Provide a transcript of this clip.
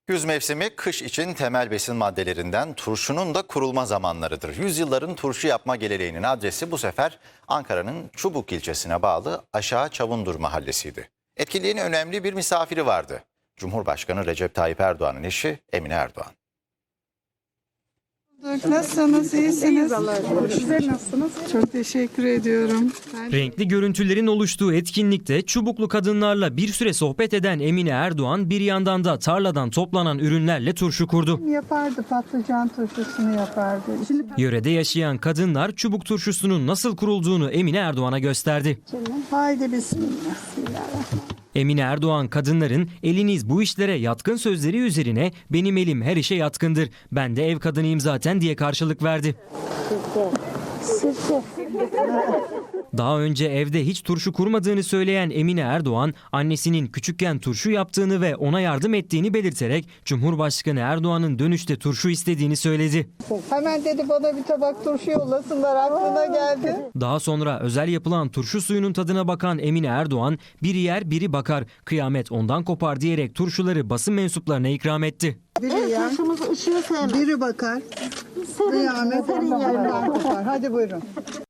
Güz mevsimi kış için temel besin maddelerinden turşunun da kurulma zamanlarıdır. Yüzyılların turşu yapma geleneğinin adresi bu sefer Ankara'nın Çubuk ilçesine bağlı Aşağı Çavundur mahallesiydi. Etkinliğin önemli bir misafiri vardı. Cumhurbaşkanı Recep Tayyip Erdoğan'ın eşi Emine Erdoğan. Nasılsınız? İyisiniz? Sizler nasılsınız? Çok teşekkür ediyorum. Renkli görüntülerin oluştuğu etkinlikte Çubuklu kadınlarla bir süre sohbet eden Emine Erdoğan bir yandan da tarladan toplanan ürünlerle turşu kurdu. Yapardı, patlıcan turşusunu yapardı. Şimdi Yörede yaşayan kadınlar çubuk turşusunun nasıl kurulduğunu Emine Erdoğan'a gösterdi. haydi bismillah. Bismillahirrahmanirrahim. Emine Erdoğan kadınların eliniz bu işlere yatkın sözleri üzerine benim elim her işe yatkındır, ben de ev kadınıyım zaten diye karşılık verdi. Daha önce evde hiç turşu kurmadığını söyleyen Emine Erdoğan, annesinin küçükken turşu yaptığını ve ona yardım ettiğini belirterek Cumhurbaşkanı Erdoğan'ın dönüşte turşu istediğini söyledi. Hemen dedi bana bir tabak turşu yollasınlar, aklına geldi. Daha sonra özel yapılan turşu suyunun tadına bakan Emine Erdoğan, biri yer biri bakar, kıyamet ondan kopar diyerek turşuları basın mensuplarına ikram etti. Biri yer, biri bakar. Kıyamet ondan kopar. Hadi buyurun.